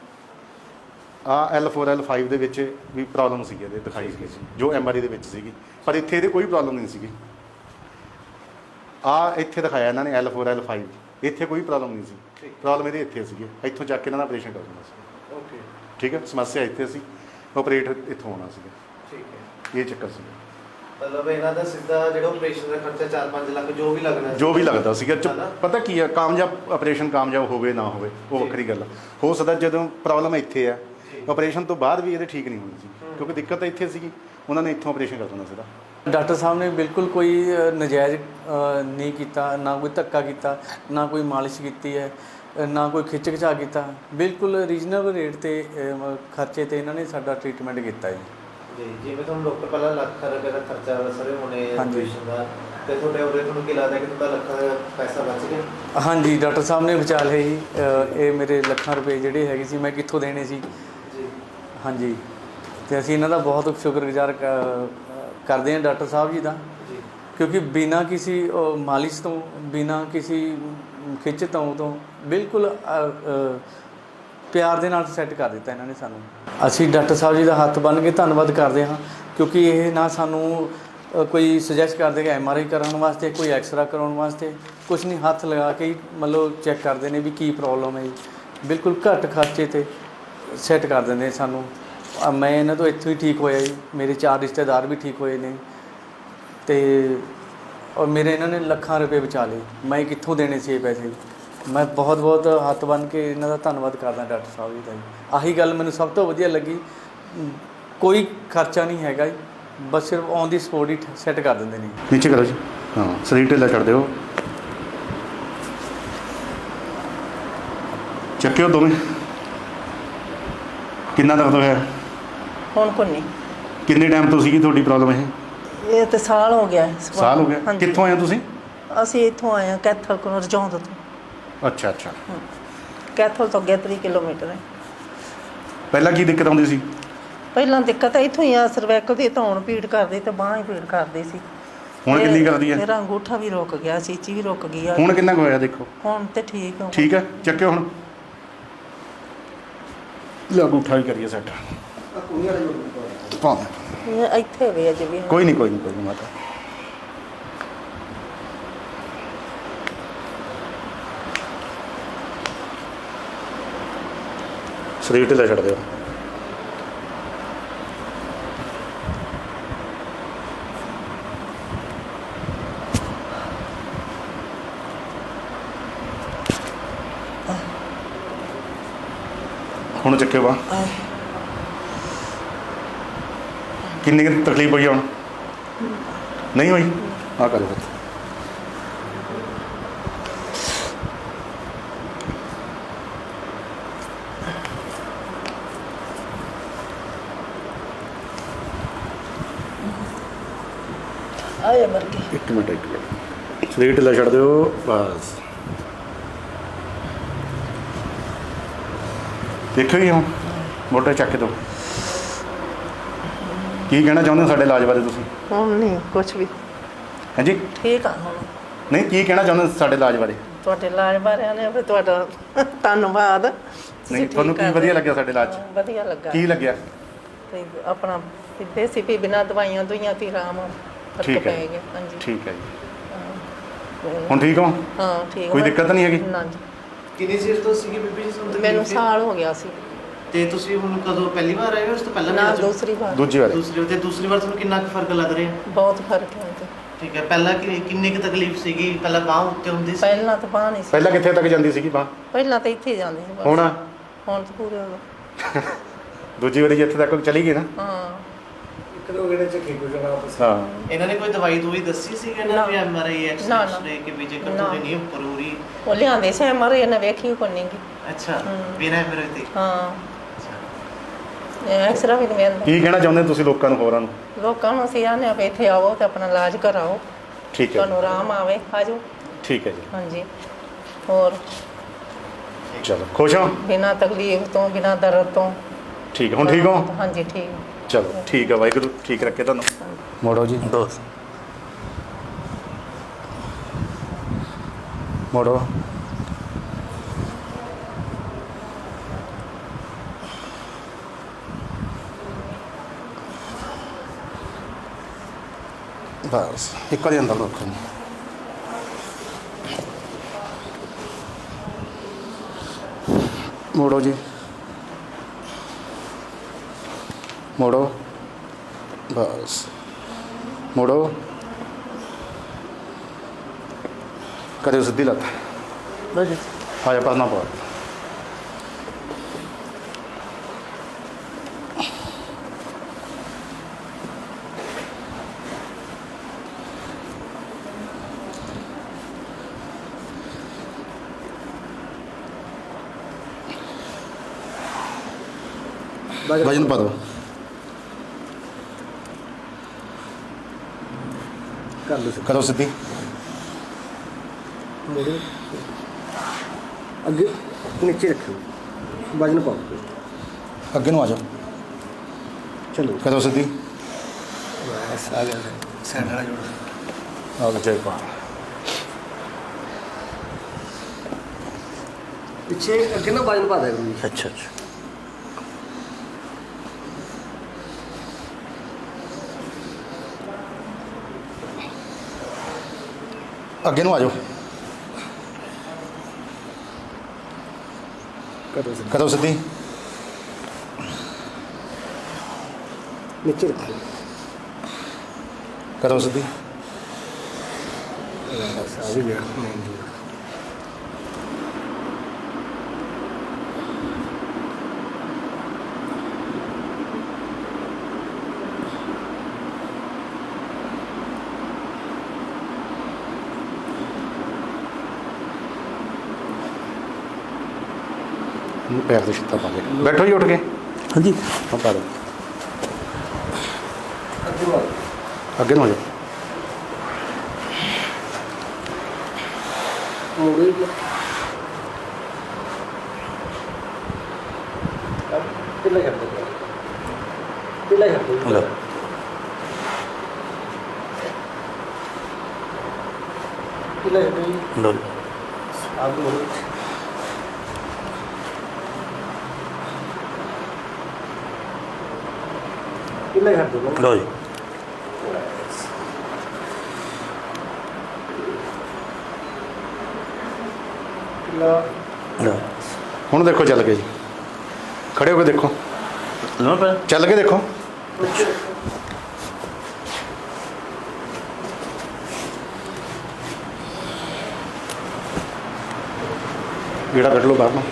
L4 L5 ਦੇ ਵਿੱਚ ਵੀ ਪ੍ਰੋਬਲਮ ਸੀ, ਇਹਦੇ ਦਿਖਾਈ ਸੀ ਜੋ MRI ਦੇ ਵਿੱਚ ਸੀਗੀ, ਪਰ ਇੱਥੇ ਇਹਦੇ ਕੋਈ ਪ੍ਰੋਬਲਮ ਨਹੀਂ ਸੀਗੀ। ਇੱਥੇ ਦਿਖਾਇਆ ਇਹਨਾਂ ਨੇ L4 L5, ਇੱਥੇ ਕੋਈ ਪ੍ਰੋਬਲਮ ਨਹੀਂ ਸੀ। ਪ੍ਰੋਬਲਮ ਇਹਦੇ ਇੱਥੇ ਸੀਗੀ, ਇੱਥੋਂ ਚੱਕ ਕੇ ਇਹਨਾਂ ਦਾ ਆਪਰੇਸ਼ਨ ਕਰ ਦੇਣਾ ਸੀ। ਓਕੇ। ਠੀਕ ਹੈ। ਸਮੱਸਿਆ ਇੱਥੇ ਸੀ, ਆਪਰੇਟ ਇੱਥੋਂ ਹੋਣਾ ਸੀਗਾ। ਠੀਕ ਹੈ। ਇਹ ਚੱਕਰ ਸੀਗਾ। ਮਤਲਬ ਇਹਨਾਂ ਦਾ ਸਿੱਧਾ ਜਿਹੜਾ ਆਪਰੇਸ਼ਨ ਦਾ ਖਰਚਾ 4-5 ਲੱਖ ਜੋ ਵੀ ਲੱਗਣਾ ਜੋ ਵੀ ਲੱਗਦਾ ਸੀਗਾ। ਹਨਾ? ਪਤਾ ਕੀ ਹੈ, ਕਾਮਯਾਬ ਆਪਰੇਸ਼ਨ ਕਾਮਯਾਬ ਹੋਵੇ ਨਾ ਹੋਵੇ ਉਹ ਵੱਖਰੀ ਗੱਲ ਆ। ਹੋ ਸਕਦਾ ਜਦੋਂ ਪ੍ਰੋਬਲਮ ਇੱਥੇ ਆ, ਆਪਰੇਸ਼ਨ ਤੋਂ ਬਾਅਦ ਵੀ ਇਹਦੇ ਠੀਕ ਨਹੀਂ ਹੋਣੀ ਸੀ, ਕਿਉਂਕਿ ਦਿੱਕਤ ਤਾਂ ਇੱਥੇ ਸੀਗੀ। ਉਹਨਾਂ ਨੇ ਇੱਥੋਂ ਆਪਰੇਸ਼ਨ ਕਰ ਦੇਣਾ ਸੀਗਾ। ਡਾਕਟਰ ਸਾਹਿਬ ਨੇ ਬਿਲਕੁਲ ਕੋਈ ਨਜਾਇਜ਼ ਨਹੀਂ ਕੀਤਾ, ਨਾ ਕੋਈ ਧੱਕਾ ਕੀਤਾ, ਨਾ ਕੋਈ ਮਾਲਿਸ਼ ਕੀਤੀ ਹੈ, ਨਾ ਕੋਈ ਖਿੱਚ ਖਿਚਾ ਕੀਤਾ। ਬਿਲਕੁਲ ਰੀਜ਼ਨੇਬਲ ਰੇਟ 'ਤੇ ਖਰਚੇ 'ਤੇ ਇਹਨਾਂ ਨੇ ਸਾਡਾ ਟ੍ਰੀਟਮੈਂਟ ਕੀਤਾ ਜੀ। ਜੀ। ਜਿਵੇਂ ਤੁਹਾਨੂੰ ਡਾਕਟਰ ਪਹਿਲਾਂ ਲੱਖ ਰੁਪਏ ਦਾ ਖਰਚਾ ਦੱਸ ਰਹੇ ਹੋਣੇ ਹਾਂਜੀ। ਆਪਰੇਸ਼ਨ ਦਾ, ਤੇ ਤੁਹਾਡੇ ਉਰੇ ਤੁਹਾਨੂੰ ਕੀ ਲੱਗਦਾ ਕਿ ਤੁਹਾਡਾ ਲੱਖਾਂ ਦਾ ਪੈਸਾ ਬਚ ਗਿਆ? ਹਾਂਜੀ, ਡਾਕਟਰ ਸਾਹਿਬ ਨੇ ਬਚਾ ਲਏ ਜੀ। ਇਹ ਮੇਰੇ ਲੱਖਾਂ ਰੁਪਏ ਜਿਹੜੇ ਹੈਗੇ ਸੀ, ਮੈਂ ਕਿੱਥੋਂ ਦੇਣੇ ਸੀ। ਜੀ। ਹਾਂਜੀ, ਤੇ ਅਸੀਂ ਇਹਨਾਂ ਦਾ ਬਹੁਤ ਸ਼ੁਕਰਗੁਜ਼ਾਰ ਕਰਦੇ ਹਾਂ ਡਾਕਟਰ ਸਾਹਿਬ ਜੀ ਦਾ, ਜੀ। ਕਿਉਂਕਿ ਬਿਨਾਂ ਕਿਸੇ ਮਾਲਿਸ਼ ਤੋਂ, ਬਿਨਾਂ ਕਿਸੇ ਖਿੱਚ ਤੋਂ ਬਿਲਕੁਲ ਪਿਆਰ ਦੇ ਨਾਲ ਸੈੱਟ ਕਰ ਦਿੱਤਾ ਇਹਨਾਂ ਨੇ ਸਾਨੂੰ। ਅਸੀਂ ਡਾਕਟਰ ਸਾਹਿਬ ਜੀ ਦਾ ਹੱਥ ਬੰਨ੍ਹ ਕੇ ਧੰਨਵਾਦ ਕਰਦੇ ਹਾਂ, ਕਿਉਂਕਿ ਇਹ ਨਾ ਸਾਨੂੰ ਕੋਈ ਸੁਜੈਸਟ ਕਰਦੇ ਕਿ MRI ਕਰਾਉਣ ਵਾਸਤੇ, ਕੋਈ ਐਕਸਰਾ ਕਰਾਉਣ ਵਾਸਤੇ, ਕੁਛ ਨਹੀਂ, ਹੱਥ ਲਗਾ ਕੇ ਹੀ ਮਤਲਬ ਚੈੱਕ ਕਰਦੇ ਨੇ ਵੀ ਕੀ ਪ੍ਰੋਬਲਮ ਹੈ ਜੀ। ਬਿਲਕੁਲ ਘੱਟ ਖਰਚੇ 'ਤੇ ਸੈੱਟ ਕਰ ਦਿੰਦੇ ਸਾਨੂੰ। ਮੈਂ ਇਹਨਾਂ ਤੋਂ ਇੱਥੋਂ ਹੀ ਠੀਕ ਹੋਇਆ ਜੀ, ਮੇਰੇ 4 ਰਿਸ਼ਤੇਦਾਰ ਵੀ ਠੀਕ ਹੋਏ ਨੇ, ਤੇ ਔਰ ਮੇਰੇ ਇਹਨਾਂ ਨੇ ਲੱਖਾਂ ਰੁਪਏ ਬਚਾ ਲਏ। ਮੈਂ ਕਿੱਥੋਂ ਦੇਣੇ ਸੀ ਇਹ ਪੈਸੇ? ਮੈਂ ਬਹੁਤ ਬਹੁਤ ਹੱਥ ਬੰਨ੍ਹ ਕੇ ਇਹਨਾਂ ਦਾ ਧੰਨਵਾਦ ਕਰਦਾ ਡਾਕਟਰ ਸਾਹਿਬ ਜੀ ਦਾ ਜੀ। ਆਹੀ ਗੱਲ ਮੈਨੂੰ ਸਭ ਤੋਂ ਵਧੀਆ ਲੱਗੀ, ਕੋਈ ਖਰਚਾ ਨਹੀਂ ਹੈਗਾ ਜੀ, ਬਸ ਸਿਰਫ ਔਨ ਦੀ ਸਪੋਟ ਹੀ ਸੈੱਟ ਕਰ ਦਿੰਦੇ ਨੇ। ਨੀਚੇ ਕਰੋ ਜੀ। ਹਾਂ, ਸਰੀਰ ਢਿੱਲਾ ਛੱਡ ਦਿਓ। ਚੱਕਿਓ ਦੋਵੇਂ। ਕਿੰਨਾ ਦਰਦ ਹੋਇਆ? ਹੁਣ ਕੋਈ ਨਹੀਂ। ਕਿੰਨੇ ਟਾਈਮ ਤੋਂ ਸੀਗੀ ਤੁਹਾਡੀ ਪ੍ਰੋਬਲਮ ਇਹ? ਇਹ ਤੇ ਸਾਲ ਹੋ ਗਿਆ। ਸਾਲ ਹੋ ਗਿਆ। ਹਾਂਜੀ। ਕਿੱਥੋਂ ਆਏ ਹੋ ਤੁਸੀਂ? ਅਸੀਂ ਇੱਥੋਂ ਆਏ ਹਾਂ ਕੈਥਲ ਕੋਲ, ਰਜੌਂਦ ਤੋਂ। ਅੱਛਾ ਅੱਛਾ। ਕੈਥਲ ਤੋਂ ਅੱਗੇ 3 ਕਿਲੋਮੀਟਰ ਹੈ। ਪਹਿਲਾਂ ਕੀ ਦਿੱਕਤ ਆਉਂਦੀ ਸੀ? ਪਹਿਲਾਂ ਦਿੱਕਤ ਇੱਥੋਂ ਹੀ ਆ, ਸਰਵੈਕਲ ਦੀ ਧੌਣ ਪੀੜ ਕਰਦੀ ਤੇ ਬਾਂਹ ਹੀ ਪੀੜ ਕਰਦੀ ਸੀ। ਹੁਣ ਕਿੰਨੀ ਕਰਦੀ ਹੈ? ਮੇਰਾ ਅੰਗੂਠਾ ਵੀ ਰੁਕ ਗਿਆ, ਚੀਚੀ ਵੀ ਰੁਕ ਗਈ ਆ। ਹੁਣ ਕਿੰਨਾ ਕੁ ਹੋਇਆ ਦੇਖੋ? ਹੁਣ ਤੇ ਠੀਕ ਆ। ਠੀਕ ਹੈ, ਚੱਕਿਓ ਹੁਣ। ਲੈ ਅੰਗੂਠਾ ਵੀ ਕਰੀਏ ਸੈੱਟ। ਇਹ ਇੱਥੇ ਵੀ ਅਜੇ ਵੀ। ਕੋਈ ਨਹੀਂ ਕੋਈ ਨਹੀਂ ਕੋਈ ਨਹੀਂ ਮਾਤਾ। ਸਰੀਰ ਢਿੱਲਾ ਛੱਡ ਦਿਓ। ਹੁਣ ਚੱਕਿਓ ਬਾਂਹ। ਕਿੰਨੀ ਕੁ ਤਕਲੀਫ ਹੋਈ ਹੁਣ? ਨਹੀਂ ਹੋਈ? ਆ ਕਰੋ। ਆਏ ਮਰ ਗਈ। ਇੱਕ ਮਿੰਟ ਸਰੀਰ ਢਿੱਲਾ ਛੱਡ ਦਿਓ ਬਸ। ਦੇਖੋ ਜੀ ਹੁਣ ਮੋਟੇ ਚੱਕ ਦਿਓ। ਕੀ ਕਹਿਣਾ ਚਾਹੁੰਦੇ ਹੋ ਸਾਡੇ ਇਲਾਜ ਬਾਰੇ ਤੁਸੀਂ? ਹੁਣ ਨਹੀਂ ਕੁਛ ਵੀ ਹਾਂਜੀ ਠੀਕ ਆ ਹੁਣ। ਨਹੀਂ ਕੀ ਕਹਿਣਾ ਚਾਹੁੰਦੇ ਹੋ ਸਾਡੇ ਇਲਾਜ ਬਾਰੇ? ਤੁਹਾਡੇ ਇਲਾਜ ਬਾਰੇ ਨੇ ਫਿਰ ਤੁਹਾਡਾ ਧੰਨਵਾਦ। ਨਹੀਂ ਤੁਹਾਨੂੰ ਕੀ ਵਧੀਆ ਲੱਗਿਆ ਸਾਡੇ ਇਲਾਜ 'ਚ? ਵਧੀਆ ਲੱਗਾ। ਕੀ ਲੱਗਿਆ? ਤੇ ਆਪਣਾ ਦੇਸੀ ਵੀ ਬਿਨਾਂ ਦਵਾਈਆਂ ਦੁਈਆਂ ਤੇ ਆਰਾਮ ਫਰਕ ਠੀਕ ਹੈ। ਪੈ ਗਿਆ। ਹਾਂਜੀ ਠੀਕ ਹੈ ਜੀ। ਹੁਣ ਠੀਕ ਹੋ? ਹਾਂ ਠੀਕ। ਕੋਈ ਦਿੱਕਤ ਨਹੀਂ ਹੈਗੀ? ਨਾ ਜੀ। ਕਿੰਨੀ ਚਿਰ ਤੋਂ ਸੀਗੀ ਬੀਬੀ ਜੀ ਤੁਹਾਨੂੰ? ਮੈਨੂੰ ਸਾਲ ਹੋ ਗਿਆ ਸੀ। ਤੇ ਤੁਸੀਂ ਹੁਣ ਕਦੋਂ ਪਹਿਲੀ ਵਾਰ ਆਏ ਹੋ ਉਸ ਤੋਂ ਪਹਿਲਾਂ ਵੀ ਨਾ ਆ ਚੁੱਕੇ? ਦੂਸਰੀ ਵਾਰ। ਦੂਜੀ ਵਾਰ ਦੂਸਰੀ ਵਾਰ ਤੁਹਾਨੂੰ ਕਿੰਨਾ ਕੁ ਫਰਕ ਲੱਗ ਰਿਹਾ? ਬਹੁਤ ਫਰਕ ਹੈ ਤੇ ਠੀਕ ਹੈ। ਪਹਿਲਾਂ ਕਿੰਨੀ ਕੁ ਤਕਲੀਫ ਸੀਗੀ? ਪਹਿਲਾਂ ਬਾਂਹ ਉੱਤੇ ਹੁੰਦੀ ਸੀ? ਪਹਿਲਾਂ ਤਾਂ ਬਾਂਹ ਨਹੀਂ ਸੀ। ਪਹਿਲਾਂ ਕਿੱਥੇ ਤੱਕ ਜਾਂਦੀ ਸੀਗੀ ਬਾਂਹ? ਪਹਿਲਾਂ ਤਾਂ ਇੱਥੇ ਜਾਂਦੇ ਸੀ ਬਸ। ਹੁਣ ਹੁਣ ਤਾਂ ਪੂਰੇ ਹੋ ਗਏ। ਦੂਜੀ ਵਾਰੀ ਜਿੱਥੇ ਤੱਕ ਚਲੀ ਗਈ ਨਾ। ਹਾਂ ਹਾਂ ਇਹਨਾਂ ਨੇ ਕੋਈ ਦਵਾਈ ਦੂਈ ਦੱਸੀ ਸੀ ਕਿ ਇਹਨਾਂ ਵੀ ਐਮਆਰਆਈ ਨਾ, ਐਕਸ-ਰੇ ਕਿ ਵੀ ਜੇਕਰ ਨਾ। ਤੁਹਾਡੀ ਨਹੀਂ ਉੱਪਰ ਹੋ ਰਹੀ? ਉਹ ਲਿਆਂਦੇ ਸੀ ਮਰੇ ਇਹਨੇ ਵੇਖੀ ਕੋਈ ਨਹੀਂ ਗੀ। ਅੱਛਾ ਬਿਨਾਂ ਐਮਆਰਆਈ ਤੇ? ਹਾਂ ਐਕਸਰਾ ਵੀ ਨਹੀਂ ਮਿਲਦਾ। ਕੀ ਕਹਿਣਾ ਚਾਹੁੰਦੇ ਤੁਸੀਂ ਲੋਕਾਂ ਨੂੰ, ਹੋਰਾਂ ਨੂੰ? ਲੋਕਾਂ ਨੂੰ ਅਸੀਂ ਆਨੇ ਆ ਵੀ ਇੱਥੇ ਆਵੋ ਤੇ ਆਪਣਾ ਇਲਾਜ ਕਰਾਓ। ਠੀਕ ਹੈ ਤੁਹਾਨੂੰ ਆਰਾਮ ਆਵੇ ਆਜੋ। ਠੀਕ ਹੈ ਜੀ। ਹਾਂਜੀ ਹੋਰ ਚਲੋ ਖੁਸ਼ ਹੋ? ਬਿਨਾਂ ਤਕਲੀਫ ਤੋਂ ਬਿਨਾਂ ਦਰਦ ਤੋਂ। ਠੀਕ ਹੈ। ਹੁਣ ਠੀਕ ਹੋ? ਹਾਂਜੀ ਠੀਕ। ਚਲੋ ਠੀਕ ਹੈ। ਵਾਹਿਗੁਰੂ ਠੀਕ ਰੱਖੇ ਤੁਹਾਨੂੰ। ਮੋੜੋ ਜੀ ਦੋਸਤ ਮੋੜੋ। ਬਸ ਇੱਕ ਵਾਰੀ ਅੰਦਰ ਰੱਖੋ। ਮੋੜੋ ਜੀ ਮੋੜੋ ਬਸ ਮੋੜੋ। ਕਰਿਓ ਸਿੱਧੀ ਲੱਤ। ਆ ਜਾ ਪਰਨਾ ਪਾ। ਵਜਨ ਪਾ ਦਿਓ। ਕਰੋ ਸਿੱਧੀ। ਅੱਗੇ ਨੀਚੇ ਰੱਖੋ, ਵਜਨ ਪਾਓ। ਅੱਗੇ ਨੂੰ ਆ ਜਾਓ। ਚਲੋ ਕਰੋ ਸਿੱਧੀ। ਬਸ ਆ ਗਿਆ ਸੈਂਡ ਵਾਲਾ ਜੋੜ। ਆ ਲੈ ਜਾਈ ਪਾ। ਪਿੱਛੇ ਅੱਗੇ ਨਾ ਵਜਨ ਪਾ ਦਿਆ ਕਰੋ ਜੀ। ਅੱਛਾ ਅੱਗੇ ਨੂੰ ਆ ਜਾਓ। ਕਰੋ ਸਿੱਧੀ। ਨੀਚੇ ਰੱਖੋ। ਕਰੋ ਸਿੱਧੀ। ਬਸ ਆ ਵੀ ਗਿਆ ਮੇਨ ਜੋੜ। ਪੈਰ ਦੇ ਛਿੱਟਾ ਪਾ ਕੇ ਬੈਠੋ ਜੀ ਉੱਠ ਕੇ। ਹਾਂਜੀ ਹਾਂ ਪਾ ਦਿਓ। ਅੱਗੇ ਨੂੰ ਆ ਜਾਓ। ਮੋੜੇ ਕਿੱਲਾ ਕਰ ਦੋ। ਕਿੱਲਾ ਕਰ ਦੋ। ਲਓ ਕਿੱਲਾ ਕਰ ਦੋ। ਲਓ ਆਪ ਮੋੜੇ। ਕਿੱਲਾ ਕਰ ਦੋ। ਲਓ ਜੀ। ਕਿੱਲਾ ਹੁਣ ਦੇਖੋ ਚੱਲ ਕੇ ਜੀ। ਖੜੇ ਹੋ ਕੇ ਦੇਖੋ। ਚੱਲ ਕੇ ਦੇਖੋ। ਗੇੜਾ ਕੱਢ ਲਓ ਬਾਹਰ ਨੂੰ।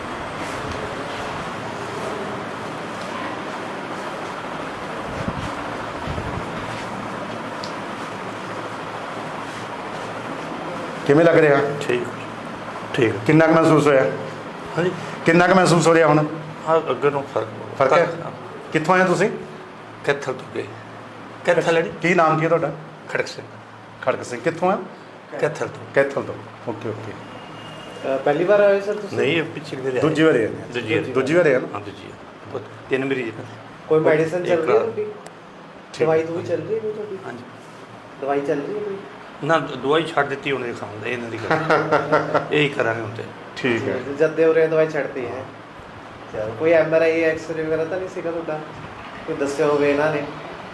ਕਿਵੇਂ ਲੱਗ ਰਿਹਾ? ਠੀਕ ਕਿੰਨਾ ਕੁ ਮਹਿਸੂਸ ਹੋਇਆ? ਹਾਂਜੀ ਕਿੰਨਾ ਕੁ ਮਹਿਸੂਸ ਹੋ ਰਿਹਾ ਹੁਣ? ਹਾਂ ਅੱਗੇ ਨੂੰ ਫਰਕ ਹੈ? ਕਿੱਥੋਂ ਆਏ ਤੁਸੀਂ? ਕਿੱਥੋਂ ਤੋਂ ਗਏ ਕਿੱਥੇ ਲੜੀ ਕੀ ਨਾਮ ਕੀ ਹੈ ਤੁਹਾਡਾ? ਖੜਕ ਸਿੰਘ ਖੜਕ ਸਿੰਘ ਕਿੱਥੋਂ ਆ? ਕੈਥਲ ਤੋਂ। ਕੈਥਲ ਤੋਂ। Okay okay. ਪਹਿਲੀ ਵਾਰ ਆਏ ਸਰ ਤੁਸੀਂ? ਨਹੀਂ, ਇਹ ਪਿਛਲੀ ਵਾਰ ਦੂਜੀ ਵਾਰੀ ਆਏ? ਦੂਜੀ ਵਾਰੀ ਆ ਨਾ? ਹਾਂ, ਦੂਜੀ ਵਾਰ। 3 ਮਰੀਜ਼ ਨੇ। ਕੋਈ ਮੈਡੀਸਨ ਚੱਲ ਰਹੀ ਹੈ ਇੱਕ- ਤੁਹਾਡੀ? ਦਵਾਈ ਦੂਈ ਚੱਲ ਰਹੀ ਹੈ ਕੋਈ ਤੁਹਾਡੀ? ਹਾਂਜੀ। ਦਵਾਈ ਚੱਲ ਰਹੀ ਹੈ ਕੋਈ? ਨਾ, ਦਵਾਈ ਛੱਡ ਦਿੱਤੀ ਉਹਨੇ ਖਾਣ ਇਹਨਾਂ ਦੀ ਗੱਲ ਇਹੀ ਕਰਾਂਗੇ ਹੁਣ ਤੇ। ਠੀਕ ਹੈ। ਜਦ ਦੇ ਹੋ ਰਹੇ ਦਵਾਈ ਛੱਡਤੀ ਹੈ। ਚਲੋ, ਕੋਈ MRI ਐਕਸਰੇ ਵਗੈਰਾ ਤਾਂ ਨਹੀਂ ਸੀਗਾ ਤੁਹਾਡਾ? ਕੋਈ ਦੱਸਿਆ ਹੋਵੇ ਇਹਨਾਂ ਨੇ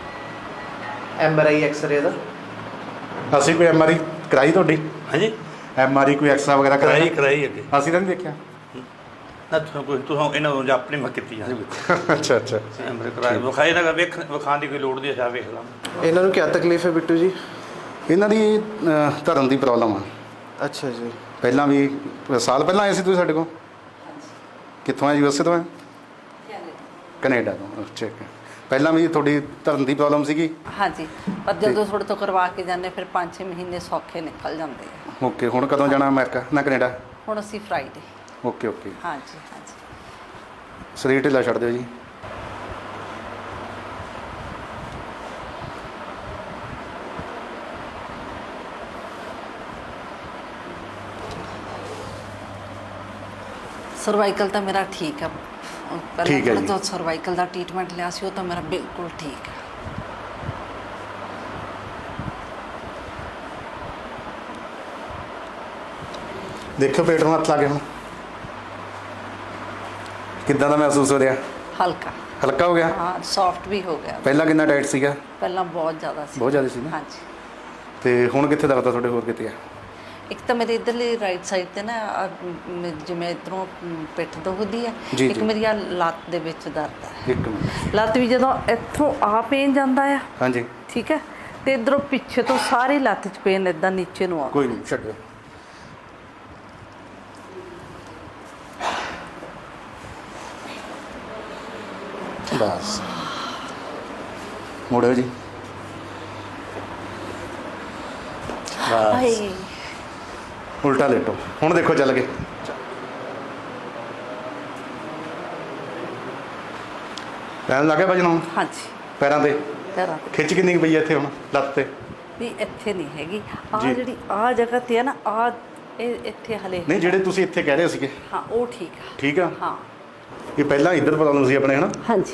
MRI ਐਕਸਰੇ ਦਾ? ਅਸੀਂ ਕੋਈ MRI ਕਰਾਈ ਤੁਹਾਡੀ? ਹਾਂਜੀ, MRI ਕੋਈ ਐਕਸਰਾ ਵਗੈਰਾ ਕਰਾਈ ਅੱਗੇ। ਅਸੀਂ ਤਾਂ ਨਹੀਂ ਦੇਖਿਆ। ਨਾ ਤੁਸੀਂ ਇਹਨਾਂ ਨੂੰ ਜਾਂ ਆਪਣੀ ਮੱਤ ਕੀਤੀ ਜਾਂਦੀ ਅੱਛਾ ਅੱਛਾ। ਐਮਰੇ ਕਰਾਏ ਵਿਖਾਏ ਨਾ ਵਿਖਾਣ ਦੀ ਕੋਈ ਲੋੜ ਨਹੀਂ, ਅੱਛਾ ਵੇਖ ਲਾਂ। ਇਹਨਾਂ ਨੂੰ ਕੀ ਤਕਲੀਫ ਹੈ ਬਿੱਟੂ ਜੀ? ਇਹਨਾਂ ਦੀ ਧਰਨ ਦੀ ਪ੍ਰੋਬਲਮ ਆ। ਅੱਛਾ ਜੀ। ਪਹਿਲਾਂ ਵੀ ਸਾਲ ਪਹਿਲਾਂ ਆਏ ਸੀ ਤੁਸੀਂ ਸਾਡੇ ਕੋਲ? ਕਿੱਥੋਂ ਆਏ? USA ਤੋਂ ਆਏ? ਕੈਨੇਡਾ ਤੋਂ। ਠੀਕ ਹੈ। ਪਹਿਲਾਂ ਵੀ ਤੁਹਾਡੀ ਧਰਨ ਦੀ ਪ੍ਰੋਬਲਮ ਸੀਗੀ? ਹਾਂਜੀ, ਪਰ ਜਦੋਂ ਤੁਹਾਡੇ ਤੋਂ ਕਰਵਾ ਕੇ ਜਾਂਦੇ ਫਿਰ 5-6 ਮਹੀਨੇ ਸੌਖੇ ਨਿਕਲ ਜਾਂਦੇ ਆ। ਓਕੇ। ਹੁਣ ਕਦੋਂ ਜਾਣਾ ਅਮਰੀਕਾ ਨਾ ਕੈਨੇਡਾ? ਹੁਣ ਅਸੀਂ ਫਰਾਈਡੇ। Okay okay. ਹਾਂਜੀ ਹਾਂਜੀ। ਸਰੀਰ ਢਿੱਲਾ ਛੱਡ ਦਿਓ ਜੀ। ਸਰਵਾਈਕਲ ਤਾਂ ਮੇਰਾ ਠੀਕ ਆ। ਠੀਕ ਹੈ ਜੀ। ਜਦੋਂ ਸਰਵਾਈਕਲ ਦਾ ਟ੍ਰੀਟਮੈਂਟ ਲਿਆ ਸੀ ਉਹ ਤਾਂ ਮੇਰਾ ਬਿਲਕੁਲ ਠੀਕ ਹੈ। ਦੇਖੋ ਪੇਟ ਨੂੰ ਹੱਥ ਲਾ ਕੇ ਹੁਣ ਕਿੱਦਾਂ ਦਾ ਮਹਿਸੂਸ ਹੋ ਰਿਹਾ? ਹਲਕਾ ਹਲਕਾ ਹੋ ਗਿਆ? ਹਾਂ, ਸੌਫਟ ਵੀ ਹੋ ਗਿਆ। ਪਹਿਲਾਂ ਕਿੰਨਾ ਟਾਈਟ ਸੀਗਾ? ਪਹਿਲਾਂ ਬਹੁਤ ਜ਼ਿਆਦਾ ਸੀ। ਬਹੁਤ ਜ਼ਿਆਦਾ ਸੀ ਨਾ? ਹਾਂਜੀ। ਤੇ ਹੁਣ ਕਿੱਥੇ ਦਰਦ ਆ ਤੁਹਾਡੇ, ਹੋਰ ਕਿਤੇ ਆ? ਇੱਕ ਤਾਂ ਮੇਰੇ ਇਧਰਲੀ ਰਾਈਟ ਸਾਈਡ ਤੇ ਨਾ ਜਿਵੇਂ ਇਧਰੋਂ ਪਿੱਠ ਦੁਖਦੀ ਹੈ, ਜੀ, ਇੱਕ ਜੀ। ਮੇਰੀ ਆਹ ਲੱਤ ਦੇ ਵਿੱਚ ਦਰਦ ਹੈ। ਇੱਕ ਮਿੰਟ। ਲੱਤ ਵੀ ਜਦੋਂ ਇੱਥੋਂ ਆ ਪੇਨ ਜਾਂਦਾ ਆ, ਹਾਂਜੀ। ਠੀਕ ਹੈ, ਤੇ ਇਧਰੋਂ ਪਿੱਛੇ ਤੋਂ ਸਾਰੀ ਲੱਤ 'ਚ ਪੇਨ ਇਦਾਂ ਨੀਚੇ ਨੂੰ ਆ। ਕੋਈ ਨਹੀਂ, ਛੱਡੋ। ਬਸ ਮੋੜੋ ਜੀ। ਬਸ ਹਾਏ, ਉਲਟਾ ਲੇਟੋ। ਹੁਣ ਦੇਖੋ ਚੱਲ ਗਏ। ਪੈਰ ਲੱਗੇ ਭਜਨ ਹੁਣ ਹਾਂਜੀ, ਪੈਰਾਂ ਤੇ? ਪੈਰਾਂ ਤੇ ਖਿੱਚ ਕਿੰਨੀ ਕੁ ਪਈ ਹੈ ਇੱਥੇ ਹੁਣ ਲੱਤ ਤੇ? ਨਹੀਂ, ਇੱਥੇ ਨਹੀਂ ਹੈਗੀ। ਆ ਜੀ। ਜਿਹੜੀ ਆ ਜਗ੍ਹਾ ਤੇ ਹੈ ਨਾ, ਆ ਇਹ ਇੱਥੇ ਹਲੇ ਨਹੀਂ, ਜਿਹੜੇ ਤੁਸੀਂ ਇੱਥੇ ਕਹਿ ਰਹੇ ਸੀਗੇ ਹਾਂ, ਉਹ ਠੀਕ ਆ। ਠੀਕ ਆ? ਹਾਂ ਇਹ ਪਹਿਲਾਂ ਇੱਧਰ ਪ੍ਰੋਬਲਮ ਸੀ ਆਪਣੇ, ਹੈ ਨਾ? ਹਾਂਜੀ।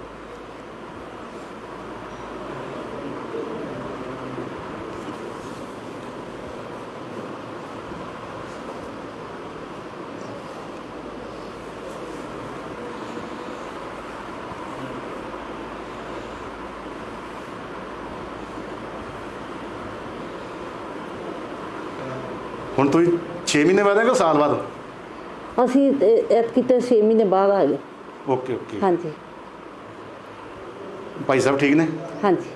ਹੁਣ ਤੁਸੀਂ 6 ਮਹੀਨੇ ਬਾਅਦ ਆਏ ਕਿ ਸਾਲ ਬਾਅਦ? ਅਸੀਂ ਐਤਕੀ ਤਾਂ 6 ਮਹੀਨੇ ਬਾਅਦ ਆ ਗਏ। Okay okay. ਹਾਂਜੀ ਭਾਈ ਸਾਹਿਬ ਠੀਕ ਨੇ? ਹਾਂਜੀ।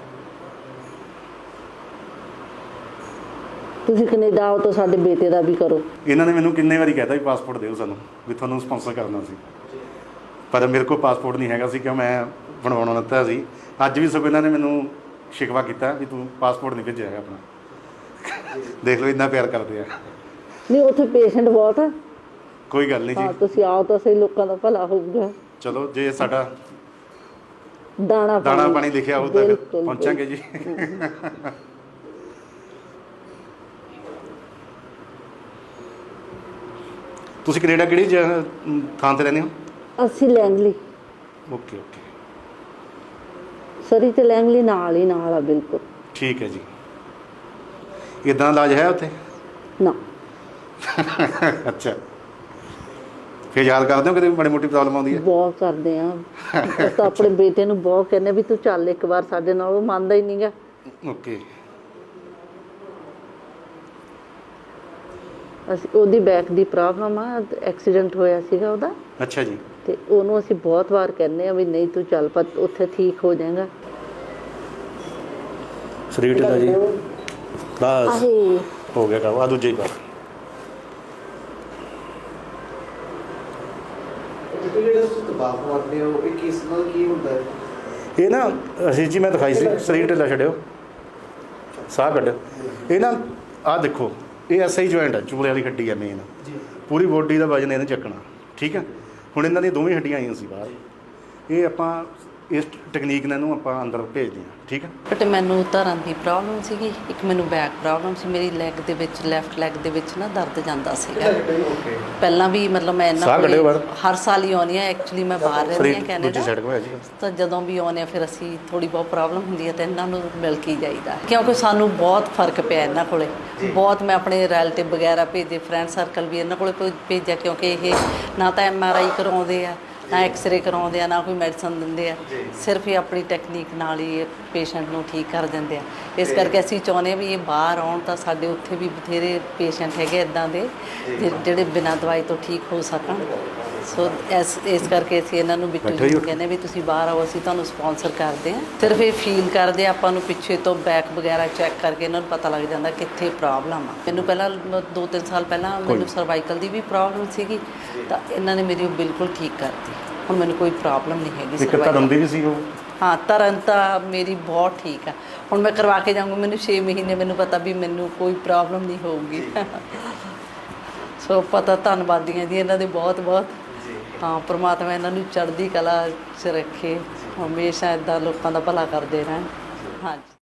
ਤੁਸੀਂ ਕੈਨੇਡਾ ਆਓ ਤਾਂ ਸਾਡੇ ਬੇਟੇ ਦਾ ਵੀ ਕਰੋ। ਇਹਨਾਂ ਨੇ ਮੈਨੂੰ ਕਿੰਨੇ ਵਾਰੀ ਕਹਿਤਾ ਵੀ ਪਾਸਪੋਰਟ ਦਿਓ ਸਾਨੂੰ, ਵੀ ਤੁਹਾਨੂੰ ਸਪਾਂਸਰ ਕਰਨਾ ਸੀ, ਪਰ ਮੇਰੇ ਕੋਲ ਪਾਸਪੋਰਟ ਨਹੀਂ ਹੈਗਾ ਸੀ ਕਿ ਮੈਂ ਬਣਵਾਉਣਾ ਦਿੱਤਾ ਸੀ। ਅੱਜ ਵੀ ਸਗੋਂ ਇਹਨਾਂ ਨੇ ਮੈਨੂੰ ਸ਼ਿਕਵਾ ਕੀਤਾ ਵੀ ਤੂੰ ਪਾਸਪੋਰਟ ਨਹੀਂ ਭੇਜਿਆ ਹੈ ਆਪਣਾ। ਦੇਖ ਲਓ ਇੰਨਾ ਪਿਆਰ ਕਰਦੇ ਆ। ਨਹੀਂ, ਉੱਥੇ ਪੇਸ਼ੈਂਟ ਬਹੁਤ ਆ। ਕੋਈ ਗੱਲ ਨਹੀਂ ਹਾਂ, ਜੀ। ਤੁਸੀਂ ਆਓ ਤਾਂ ਸਹੀ, ਲੋਕਾਂ ਦਾ ਭਲਾ ਹੋਊਗਾ। ਚਲੋ ਜੇ ਸਾਡਾ ਦਾਣਾ ਪਾਣੀ ਲਿਖਿਆ ਹੋਊ ਤਾਂ ਫਿਰ ਬਿਲਕੁਲ, ਪਹੁੰਚਾਂਗੇ ਜੀ। ਤੁਸੀਂ ਕੈਨੇਡਾ ਕਿਹੜੀ ਥਾਂ ਤੇ ਰਹਿੰਦੇ ਹੋ? ਅਸੀਂ ਲੈਂਗਲੀ, ਓਕੇ ਓਕੇ, ਸਰੀ ਤੇ ਲੈਂਗਲੀ ਨਾਲ ਹੀ ਨਾਲ ਆ ਬਿਲਕੁਲ। ਠੀਕ ਹੈ ਜੀ। ਇਦਾਂ ਇਲਾਜ ਹੈ ਉੱਥੇ? ਨਾ, ਅੱਛਾ। ਫਿਰ ਯਾਦ ਕਰਦੇ ਹੋ ਕਦੇ ਮਾੜੀ ਮੋਟੀ ਪ੍ਰੋਬਲਮ ਆਉਂਦੀ ਹੈ? ਬਹੁਤ ਕਰਦੇ ਆ। ਅਸੀਂ ਤਾਂ ਆਪਣੇ ਬੇਟੇ ਨੂੰ ਬਹੁਤ ਕਹਿੰਦੇ ਵੀ ਤੂੰ ਚੱਲ ਇੱਕ ਵਾਰ ਸਾਡੇ ਨਾਲ, ਉਹ ਮੰਨਦਾ ਹੀ ਨਹੀਂਗਾ। ਓਕੇ। ਅਸੀਂ ਉਹਦੀ ਬੈਕ ਦੀ ਪ੍ਰੋਬਲਮ ਆ, ਐਕਸੀਡੈਂਟ ਹੋਇਆ ਸੀਗਾ ਉਹਦਾ, ਅੱਛਾ ਜੀ। ਤੇ ਉਹਨੂੰ ਅਸੀਂ ਬਹੁਤ ਵਾਰ ਕਹਿੰਦੇ ਆ ਵੀ ਨਹੀਂ ਤੂੰ ਚੱਲ, ਪਰ ਉੱਥੇ ਠੀਕ ਹੋ ਜਾਏਗਾ। ਸਰੀਰ ਢਿੱਲਾ ਜੀ। ਬਸ ਆਹੇ, ਹੋ ਗਿਆ ਕੰਮ। ਆ ਦੂਜੇ ਹੀ ਪਾ। ਜਿਹੜੇ ਤੁਸੀਂ ਦਬਾਅ ਮਾਰਦੇ ਹੋ, ਇਹ ਕਿਸ ਨਾਲ ਕੀ ਹੁੰਦਾ ਹੈ? ਇਹ ਨਾ ਅਸੀਂ ਜੀ ਮੈਂ ਦਿਖਾਈ ਸੀ, ਸਰੀਰ ਢਿੱਲਾ ਛੱਡਿਓ, ਸਾਹ ਕੱਢਿਓ। ਇਹ ਨਾ ਆਹ ਦੇਖੋ, ਇਹ ਐਸਆਈ ਜੁਆਇੰਟ ਹੈ, ਚੂਲੇ ਵਾਲੀ ਹੱਡੀ ਹੈ ਮੇਨ। ਪੂਰੀ ਬੋਡੀ ਦਾ ਵਜਨ ਇਹਨੇ ਚੱਕਣਾ, ਠੀਕ ਹੈ। ਹੁਣ ਇਹਨਾਂ ਦੀਆਂ ਦੋਵੇਂ ਹੱਡੀਆਂ ਆਈਆਂ ਸੀ ਬਾਹਰ। ਇਹ ਆਪਾਂ ਇਸ ਟੈਕਨੀਕ ਨਾਲ ਇਹਨੂੰ ਆਪਾਂ ਅੰਦਰ ਭੇਜਦੇ ਹਾਂ, ਠੀਕ ਹੈ। ਬਟ ਮੈਨੂੰ ਧਰਨ ਦੀ ਪ੍ਰੋਬਲਮ ਸੀਗੀ, ਇੱਕ ਮੈਨੂੰ ਬੈਕ ਪ੍ਰੋਬਲਮ ਸੀ, ਮੇਰੀ ਲੈਗ ਦੇ ਵਿੱਚ ਲੈਫਟ ਲੈਗ ਦੇ ਵਿੱਚ ਨਾ ਦਰਦ ਜਾਂਦਾ ਸੀਗਾ ਪਹਿਲਾਂ ਵੀ। ਮਤਲਬ ਮੈਂ ਇਹਨਾਂ ਕੋਲ ਹਰ ਸਾਲ ਹੀ ਆਉਂਦੀ ਹਾਂ, ਐਕਚੁਅਲੀ ਮੈਂ ਬਾਹਰ ਰਹਿੰਦੀ ਹਾਂ ਕੈਨੇਡਾ, ਤਾਂ ਜਦੋਂ ਵੀ ਆਉਂਦੇ ਹਾਂ ਫਿਰ ਅਸੀਂ ਥੋੜੀ ਬਹੁਤ ਪ੍ਰੋਬਲਮ ਹੁੰਦੀ ਹੈ ਤਾਂ ਇਹਨਾਂ ਨੂੰ ਮਿਲ ਕੇ ਜਾਈਦਾ, ਕਿਉਂਕਿ ਸਾਨੂੰ ਬਹੁਤ ਫਰਕ ਪਿਆ ਇਹਨਾਂ ਕੋਲੇ ਬਹੁਤ। ਮੈਂ ਆਪਣੇ ਰਿਲੇਟਿਵ ਵਗੈਰਾ ਭੇਜੇ, ਫਰੈਂਡ ਸਰਕਲ ਵੀ ਇਹਨਾਂ ਕੋਲੇ ਭੇਜਿਆ, ਕਿਉਂਕਿ ਇਹ ਨਾ ਤਾਂ MRI ਕਰਾਉਂਦੇ ਆ, ਨਾ ਐਕਸਰੇ ਕਰਾਉਂਦੇ ਆ, ਨਾ ਕੋਈ ਮੈਡੀਸਨ ਦਿੰਦੇ ਆ, ਸਿਰਫ ਇਹ ਆਪਣੀ ਟੈਕਨੀਕ ਨਾਲ ਹੀ ਪੇਸ਼ੈਂਟ ਨੂੰ ਠੀਕ ਕਰ ਦਿੰਦੇ ਆ। ਇਸ ਕਰਕੇ ਅਸੀਂ ਚਾਹੁੰਦੇ ਵੀ ਇਹ ਬਾਹਰ ਆਉਣ ਤਾਂ ਸਾਡੇ ਉੱਥੇ ਵੀ ਬਥੇਰੇ ਪੇਸ਼ੈਂਟ ਹੈਗੇ ਇੱਦਾਂ ਦੇ ਜਿਹੜੇ ਬਿਨਾਂ ਦਵਾਈ ਤੋਂ ਠੀਕ ਹੋ ਸਕਣ। ਸੋ ਇਸ ਕਰਕੇ ਅਸੀਂ ਇਹਨਾਂ ਨੂੰ ਬਿੱਟੂ ਜੀ ਨੂੰ ਕਹਿੰਦੇ ਵੀ ਤੁਸੀਂ ਬਾਹਰ ਆਓ, ਅਸੀਂ ਤੁਹਾਨੂੰ ਸਪਾਂਸਰ ਕਰਦੇ ਹਾਂ। ਸਿਰਫ ਇਹ ਫੀਲ ਕਰਦੇ ਆਪਾਂ ਨੂੰ ਪਿੱਛੇ ਤੋਂ ਬੈਕ ਵਗੈਰਾ ਚੈੱਕ ਕਰਕੇ ਇਹਨਾਂ ਨੂੰ ਪਤਾ ਲੱਗ ਜਾਂਦਾ ਕਿੱਥੇ ਪ੍ਰੋਬਲਮ ਆ। ਮੈਨੂੰ ਪਹਿਲਾਂ 2-3 ਸਾਲ ਪਹਿਲਾਂ ਮੈਨੂੰ ਸਰਵਾਈਕਲ ਦੀ ਵੀ ਪ੍ਰੋਬਲਮ ਸੀਗੀ, ਤਾਂ ਇਹਨਾਂ ਨੇ ਮੇਰੀ ਉਹ ਬਿਲਕੁਲ ਠੀਕ ਕਰਤੀ। ਹੁਣ ਮੈਨੂੰ ਕੋਈ ਪ੍ਰੋਬਲਮ ਨਹੀਂ ਹੈਗੀ ਸਰਵਾਈਕਲ ਦੀ ਵੀ ਸੀ ਉਹ। ਹਾਂ, ਧਰਨ ਤਾਂ ਮੇਰੀ ਬਹੁਤ ਠੀਕ ਆ। ਹੁਣ ਮੈਂ ਕਰਵਾ ਕੇ ਜਾਊਂਗੀ, ਮੈਨੂੰ 6 ਮਹੀਨੇ ਮੈਨੂੰ ਪਤਾ ਵੀ ਮੈਨੂੰ ਕੋਈ ਪ੍ਰੋਬਲਮ ਨਹੀਂ ਹੋਊਗੀ। ਸੋ ਪਤਾ, ਧੰਨਵਾਦੀ ਹਾਂ ਜੀ ਇਹਨਾਂ ਦੇ ਬਹੁਤ ਬਹੁਤ। ਹਾਂ, ਪ੍ਰਮਾਤਮਾ ਇਹਨਾਂ ਨੂੰ ਚੜ੍ਹਦੀ ਕਲਾ 'ਚ ਰੱਖੇ, ਹਮੇਸ਼ਾ ਇੱਦਾਂ ਲੋਕਾਂ ਦਾ ਭਲਾ ਕਰਦੇ ਰਹਿਣ। ਹਾਂਜੀ।